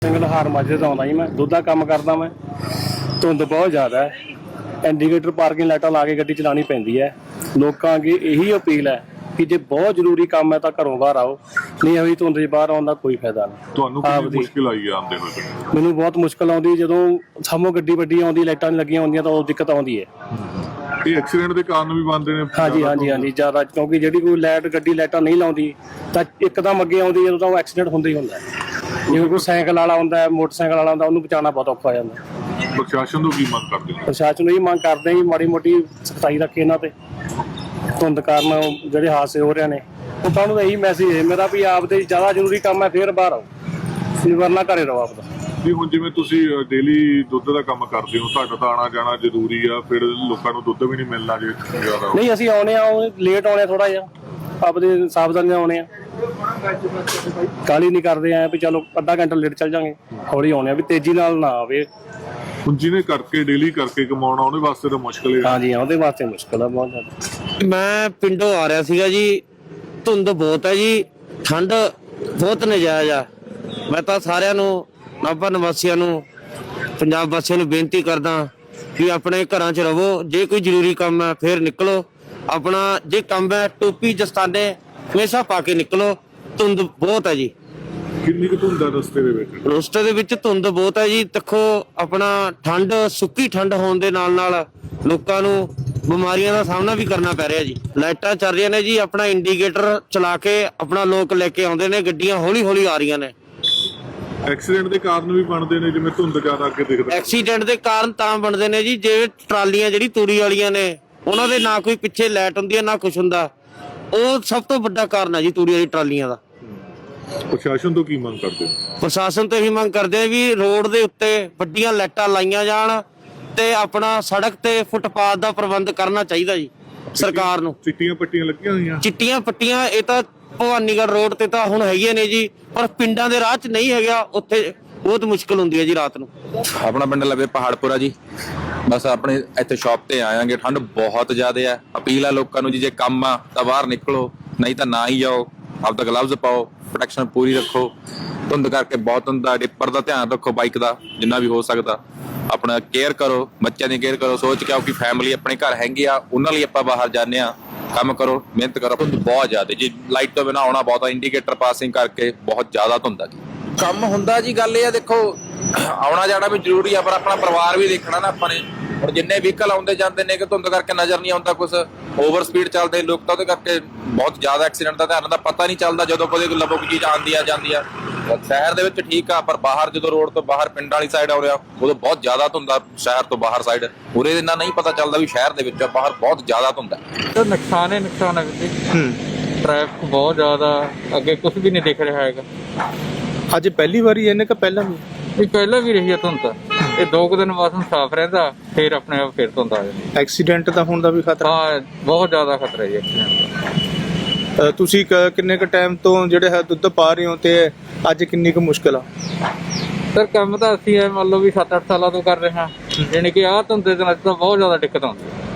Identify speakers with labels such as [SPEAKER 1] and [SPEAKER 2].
[SPEAKER 1] ਲਹਾਰ ਮਾਝੇ ਤੋਂ ਆਉਂਦਾ ਜੀ। ਮੈਂ ਦੁੱਧ ਦਾ ਕੰਮ ਕਰਦਾ। ਮੈਂ ਧੁੰਦ ਬਹੁਤ ਜ਼ਿਆਦਾ ਹੈ। ਇੰਡੀਕੇਟਰ ਪਾਰਕਿੰਗ ਲਾਈਟਾਂ ਲਾ ਕੇ ਗੱਡੀ ਚਲਾਉਣੀ ਪੈਂਦੀ ਹੈ। ਲੋਕਾਂ ਅੱਗੇ ਇਹੀ ਅਪੀਲ ਹੈ ਕਿ ਜੇ ਬਹੁਤ ਜ਼ਰੂਰੀ ਕੰਮ ਹੈ ਤਾਂ ਘਰੋਂ ਬਾਹਰ ਆਓ, ਨਹੀਂ ਅभी ਧੁੰਦ 'ਚ ਬਾਹਰ ਆਉਣ ਦਾ ਕੋਈ ਫਾਇਦਾ ਨਹੀਂ।
[SPEAKER 2] ਤੁਹਾਨੂੰ ਕਿੰਨੀ ਮੁਸ਼ਕਿਲ ਆਈ ਹੈ ਆਉਂਦੇ ਹੋਏ?
[SPEAKER 1] ਮੈਨੂੰ ਬਹੁਤ ਮੁਸ਼ਕਿਲ ਆਉਂਦੀ ਜਦੋਂ ਸਾਹਮਣੇ ਗੱਡੀ ਵੱਡੀ ਆਉਂਦੀ, ਲਾਈਟਾਂ ਨਹੀਂ ਲੱਗੀਆਂ ਹੁੰਦੀਆਂ ਤਾਂ ਉਹ ਦਿੱਕਤ ਆਉਂਦੀ ਹੈ।
[SPEAKER 2] ਇਹ ਐਕਸੀਡੈਂਟ ਦੇ ਕਾਰਨ ਵੀ ਬਣਦੇ ਨੇ?
[SPEAKER 1] ਹਾਂਜੀ ਜ਼ਿਆਦਾ, ਕਿਉਂਕਿ ਜਿਹੜੀ ਕੋਈ ਗੱਡੀ ਲਾਈਟਾਂ ਨਹੀਂ ਲਾਉਂਦੀ ਤਾਂ ਇੱਕਦਮ ਅੱਗੇ ਆਉਂਦੀ ਜਦੋਂ ਤਾਂ ਉਹ ਐਕਸੀਡੈਂਟ ਹੁੰਦਾ ਹੀ ਹੁੰਦਾ। ਜਿਵੇਂ ਕੋਈ ਸਾਈਕਲ ਵਾਲਾ ਹੁੰਦਾ, ਮੋਟਰਸਾਈਕਲ ਵਾਲਾ ਹੁੰਦਾ, ਉਹਨੂੰ ਬਚਾਉਣਾ ਬਹੁਤ ਔਖਾ ਹੋ ਜਾਂਦਾ।
[SPEAKER 2] ਪ੍ਰਸ਼ਾਸਨ ਤੋਂ ਕੀ ਮੰਗ ਕਰਦੇ ਹੋ?
[SPEAKER 1] ਪ੍ਰਸ਼ਾਸਨ ਨੂੰ ਇਹ ਮੰਗ ਕਰਦੇ ਹਾਂ ਕਿ ਮਾੜੀ ਮੋਟੀ ਸਖਤਾਈ ਰੱਖੇ ਇਹਨਾਂ ਤੇ। ਧੁੰਦ ਕਾਰਨ ਜਿਹੜੇ ਹਾਦਸੇ ਹੋ ਰਹੇ ਨੇ, ਲੋਕਾਂ ਨੂੰ ਇਹੀ ਮੈਸੇਜ ਹੈ ਮੇਰਾ ਵੀ ਆਪਦੇ ਜ਼ਿਆਦਾ ਜ਼ਰੂਰੀ ਕੰਮ ਹੈ ਫਿਰ ਬਾਹਰ ਆਓ, ਵਰਨਾ ਘਰੇ ਰਹੋ ਆਪਦਾ।
[SPEAKER 2] ਜੀ ਹੁਣ ਜਿਵੇਂ ਤੁਸੀਂ ਡੇਲੀ ਦੁੱਧ ਦਾ ਕੰਮ ਕਰਦੇ ਹੋ, ਤੁਹਾਡਾ ਤਾਂ ਆਉਣਾ ਜਾਣਾ ਜ਼ਰੂਰੀ ਆ, ਫਿਰ ਲੋਕਾਂ ਨੂੰ ਦੁੱਧ ਵੀ ਨਹੀਂ ਮਿਲਣਾ ਜੇ ਜ਼ਿਆਦਾ?
[SPEAKER 1] ਨਹੀਂ, ਅਸੀਂ ਆਉਣੇ ਆ, ਲੇਟ ਆਉਣੇ ਥੋੜਾ ਜਿਹਾ, ਆਪਦੇ ਸਾਵਧਾਨੀ ਨਾਲ ਆਉਣੇ ਆ, ਕਾਹਲੀ ਨਹੀਂ ਕਰਦੇ ਆ ਵੀ ਚਲੋ ਅੱਧਾ ਘੰਟਾ ਲੇਟ ਚੱਲ ਜਾਂਗੇ, ਹੌਲੀ ਆਉਣੇ ਆ ਵੀ ਤੇਜ਼ੀ ਨਾਲ ਨਾ ਆਵੇ।
[SPEAKER 2] ਹੁਣ ਜਿਹਨੇ ਕਰਕੇ ਡੇਲੀ ਕਰਕੇ ਕਮਾਉਣਾ ਉਹਦੇ ਵਾਸਤੇ ਤਾਂ ਮੁਸ਼ਕਿਲ ਹੈ।
[SPEAKER 1] ਹਾਂਜੀ, ਉਹਦੇ ਵਾਸਤੇ ਮੁਸ਼ਕਿਲ ਆ ਬਹੁਤ ਜ਼ਿਆਦਾ।
[SPEAKER 3] ਮੈਂ ਪਿੰਡੋਂ ਆ ਰਿਹਾ ਸੀਗਾ ਜੀ। ਧੁੰਦ ਬਹੁਤ ਹੈ ਜੀ, ਠੰਡ ਬਹੁਤ ਨਜਾਇਜ਼ ਆ। ਮੈਂ ਤਾਂ ਸਾਰਿਆਂ ਨੂੰ, ਨਾਭਾ ਨਿਵਾਸੀਆਂ ਨੂੰ, ਪੰਜਾਬ ਵਾਸੀਆਂ ਨੂੰ ਬੇਨਤੀ ਕਰਦਾ ਕਿ ਆਪਣੇ ਘਰਾਂ 'ਚ ਰਹੋ। ਜੇ ਕੋਈ ਜ਼ਰੂਰੀ ਕੰਮ ਹੈ ਫਿਰ ਨਿਕਲੋ। ਆਪਣਾ ਜੇ ਕੰਮ ਹੈ ਟੋਪੀ ਦਸਤਾਨੇ ਹਮੇਸ਼ਾ ਪਾ ਕੇ ਨਿਕਲੋ। ਧੁੰਦ ਬਹੁਤ ਹੈ ਜੀ।
[SPEAKER 2] ਕਿੰਨੀ ਕੁ ਧੁੰਦ ਆ ਰਸਤੇ ਦੇ ਵਿੱਚ?
[SPEAKER 3] ਰਸਤੇ ਦੇ ਵਿੱਚ ਧੁੰਦ ਬਹੁਤ ਹੈ ਜੀ। ਦੇਖੋ ਆਪਣਾ ਠੰਡ, ਸੁੱਕੀ ਠੰਡ ਹੋਣ ਦੇ ਨਾਲ ਨਾਲ ਲੋਕਾਂ ਨੂੰ ਬਿਮਾਰੀਆਂ ਦਾ ਸਾਹਮਣਾ ਵੀ ਕਰਨਾ ਪੈ ਰਿਹਾ ਜੀ। ਲਾਈਟਾਂ ਚੱਲ ਰਹੀਆਂ ਨੇ ਜੀ, ਆਪਣਾ ਇੰਡੀਕੇਟਰ ਚਲਾ ਕੇ ਆਪਣਾ ਲੋਕ ਲੈ ਕੇ ਆਉਂਦੇ ਨੇ, ਗੱਡੀਆਂ ਹੌਲੀ ਹੌਲੀ ਆ ਰਹੀਆਂ ਨੇ।
[SPEAKER 2] ਐਕਸੀਡੈਂਟ ਦੇ ਕਾਰਨ ਵੀ ਬਣਦੇ ਨੇ, ਜਿਵੇਂ ਧੁੰਦ ਜ਼ਿਆਦਾ ਅੱਗੇ ਦਿਖਦਾ।
[SPEAKER 3] ਐਕਸੀਡੈਂਟ ਦੇ ਕਾਰਨ ਤਾਂ ਬਣਦੇ ਨੇ ਜੀ, ਜੇ ਟਰਾਲੀਆਂ ਜਿਹੜੀ ਤੂੜੀ ਵਾਲੀਆਂ ਨੇ ਉਹਨਾਂ ਦੇ ਨਾ ਕੋਈ ਪਿੱਛੇ ਲਾਈਟ ਹੁੰਦੀ ਹੈ ਨਾ ਕੁਛ ਹੁੰਦਾ, ਉਹ ਸਭ ਤੋਂ ਵੱਡਾ ਕਾਰਨ ਹੈ ਜੀ ਤੂੜੀ ਵਾਲੀ ਟਰਾਲੀਆਂ ਦਾ।
[SPEAKER 2] ਪ੍ਰਸ਼ਾਸਨ ਤੋਂ ਕੀ ਮੰਗ ਕਰਦੇ ਹੋ?
[SPEAKER 3] ਪ੍ਰਸ਼ਾਸਨ ਤੋਂ ਇਹੀ ਮੰਗ ਕਰਦੇ ਆ ਵੀ ਰੋਡ ਦੇ ਉੱਤੇ ਵੱਡੀਆਂ ਲਾਈਟਾਂ ਲਾਈਆਂ ਜਾਣ ਤੇ ਆਪਣਾ ਸੜਕ ਤੇ ਫੁੱਟਪਾਥ ਦਾ ਪ੍ਰਬੰਧ ਕਰਨਾ ਚਾਹੀਦਾ ਜੀ ਸਰਕਾਰ ਨੂੰ।
[SPEAKER 2] ਚਿੱਟੀਆਂ ਪੱਟੀਆਂ ਲੱਗੀਆਂ ਹੋਈਆਂ?
[SPEAKER 3] ਚਿੱਟੀਆਂ ਪੱਟੀਆਂ ਇਹ ਤਾਂ ਭਵਾਨੀਗੜ੍ਹ ਰੋਡ ਤੇ ਤਾਂ ਹੁਣ ਹੈਗੀਆਂ ਨੇ ਜੀ, ਪਰ ਪਿੰਡਾਂ ਦੇ ਰਾਹ 'ਚ ਨਹੀਂ ਹੈਗਾ, ਉੱਥੇ ਬਹੁਤ ਮੁਸ਼ਕਲ ਹੁੰਦੀ ਹੈ ਜੀ ਰਾਤ ਨੂੰ।
[SPEAKER 4] ਆਪਣਾ ਪਿੰਡ ਲਵੇ ਪਹਾੜਪੁਰਾ ਜੀ। ਬਸ ਆਪਣੇ ਇੱਥੇ ਸ਼ਾਪ ਤੇ ਆਵਾਂਗੇ। ਠੰਡ ਬਹੁਤ ਜ਼ਿਆਦਾ ਹੈ। ਅਪੀਲ ਹੈ ਲੋਕਾਂ ਨੂੰ ਜੀ, ਜੇ ਕੰਮ ਆ ਤਾਂ ਬਾਹਰ ਨਿਕਲੋ, ਨਹੀਂ ਤਾਂ ਨਾ ਹੀ ਜਾਓ। ਆਪਦਾ ਗਲਵਜ਼ ਪਾਓ, ਪ੍ਰੋਟੈਕਸ਼ਨ ਪੂਰੀ ਰੱਖੋ। ਧੁੰਦ ਕਰਕੇ ਬਹੁਤ ਹੁੰਦਾ। ਡਿੱਪਰ ਦਾ ਧਿਆਨ ਰੱਖੋ, ਬਾਈਕ ਦਾ ਜਿੰਨਾ ਵੀ ਹੋ ਸਕਦਾ। ਆਪਣਾ ਕੇਅਰ ਕਰੋ, ਬੱਚਿਆਂ ਦੀ ਕੇਅਰ ਕਰੋ। ਸੋਚ ਕੇ ਆਓ ਕਿ ਫੈਮਿਲੀ ਆਪਣੇ ਘਰ ਹੈਗੀ ਆ, ਉਹਨਾਂ ਲਈ ਆਪਾਂ ਬਾਹਰ ਜਾਂਦੇ ਆ। ਕੰਮ ਕਰੋ, ਮਿਹਨਤ ਕਰੋ। ਧੁੰਦ ਬਹੁਤ ਜ਼ਿਆਦਾ ਜੀ, ਲਾਈਟ ਤੋਂ ਬਿਨਾਂ ਆਉਣਾ ਬਹੁਤ ਆ। ਇੰਡੀਕੇਟਰ ਪਾਸਿੰਗ ਕਰਕੇ ਬਹੁਤ ਜ਼ਿਆਦਾ ਧੁੰਦ ਆ ਜੀ। ਕੰਮ ਹੁੰਦਾ ਜੀ, ਗੱਲ ਇਹ ਆ ਦੇਖੋ ਆਉਣਾ ਜਾਣਾ ਵੀ ਜ਼ਰੂਰੀ ਆ, ਪਰ ਆਪਣਾ ਪਰਿਵਾਰ ਵੀ ਦੇਖਣਾ ਨਾ ਆਪਾਂ ਨੇ। ਹੁਣ ਜਿੰਨੇ ਵਹੀਕਲ ਆਉਂਦੇ ਜਾਂਦੇ ਨੇ ਕਿ ਧੁੰਦ ਕਰਕੇ ਨਜ਼ਰ ਨਹੀਂ ਆਉਂਦਾ ਕੁਛ, ਓਵਰ ਸਪੀਡ ਚੱਲਦੇ ਲੋਕ ਤਾਂ ਉਹਦੇ ਕਰਕੇ ਬਹੁਤ ਜ਼ਿਆਦਾ ਐਕਸੀਡੈਂਟ ਦਾ ਧਿਆਨ ਦਾ ਪਤਾ ਨਹੀਂ ਚੱਲਦਾ। ਜਦੋਂ ਕਦੇ ਲੱਭੋ ਕੋਈ ਚੀਜ਼ ਆਉਂਦੀ ਆ ਜਾਂਦੀ ਆ। ਸ਼ਹਿਰ ਦੇ ਵਿੱਚ ਠੀਕ ਆ, ਪਰ ਬਾਹਰ ਜਦੋਂ ਰੋਡ ਤੋਂ ਬਾਹਰ ਪਿੰਡ ਵਾਲੀ ਸਾਈਡ ਆਉਂਦੇ ਆ ਉਦੋਂ ਬਹੁਤ ਜ਼ਿਆਦਾ ਧੁੰਦਾ। ਸ਼ਹਿਰ ਤੋਂ ਬਾਹਰ ਸਾਈਡ ਉਰੇ ਇੰਨਾ ਨਹੀਂ ਪਤਾ ਚੱਲਦਾ ਵੀ ਸ਼ਹਿਰ ਦੇ ਵਿੱਚ ਬਾਹਰ ਬਹੁਤ ਜ਼ਿਆਦਾ ਧੁੰਦਾ।
[SPEAKER 5] ਤਾਂ ਨੁਕਸਾਨ ਹੈ ਟ੍ਰੈਫਿਕ ਬਹੁਤ ਜ਼ਿਆਦਾ, ਅੱਗੇ ਕੁਝ ਵੀ ਨਹੀਂ ਦਿਖ ਰਿਹਾ ਹੈਗਾ।
[SPEAKER 6] ਅੱਜ ਪਹਿਲੀ ਵਾਰੀ ਇਹਨੇ ਕਿ ਪਹਿਲਾਂ ਵੀ?
[SPEAKER 5] ਇਹ ਪਹਿਲਾਂ ਵੀ ਰਹੀ ਹੈ ਧੁੰਦ। ਇਹ 2 ਦਿਨ ਮੌਸਮ ਸਾਫ਼ ਰਹਿੰਦਾ, ਫਿਰ ਆਪਣੇ ਆਪ ਫਿਰ ਧੁੰਦ ਆ ਜਾਂਦੀ।
[SPEAKER 6] ਐਕਸੀਡੈਂਟ ਦਾ ਹੋਣ ਦਾ ਵੀ ਖਤਰਾ?
[SPEAKER 5] ਹਾਂ, ਬਹੁਤ ਜ਼ਿਆਦਾ ਖਤਰਾ ਹੈ ਐਕਸੀਡੈਂਟ ਦਾ।
[SPEAKER 6] ਤੁਸੀਂ ਕਿੰਨੇ ਕੁ ਟਾਈਮ ਤੋਂ ਜਿਹੜੇ ਹੈ ਦੁੱਧ ਪਾ ਰਹੇ ਹੋ ਤੇ ਅੱਜ ਕਿੰਨੀ ਕੁ ਮੁਸ਼ਕਿਲ ਆ?
[SPEAKER 5] ਸਰ ਕੰਮ ਤਾਂ ਅਸੀਂ ਮੰਨ ਲਓ ਵੀ 7-8 ਸਾਲਾਂ ਤੋਂ ਕਰ ਰਹੇ ਹਾਂ, ਯਾਨੀ ਕਿ ਆਹ ਧੁੰਦ ਦੇ ਦਿਨਾਂ 'ਚ ਤਾਂ ਬਹੁਤ ਜ਼ਿਆਦਾ ਦਿੱਕਤ ਆਉਂਦੀ ਹੈ।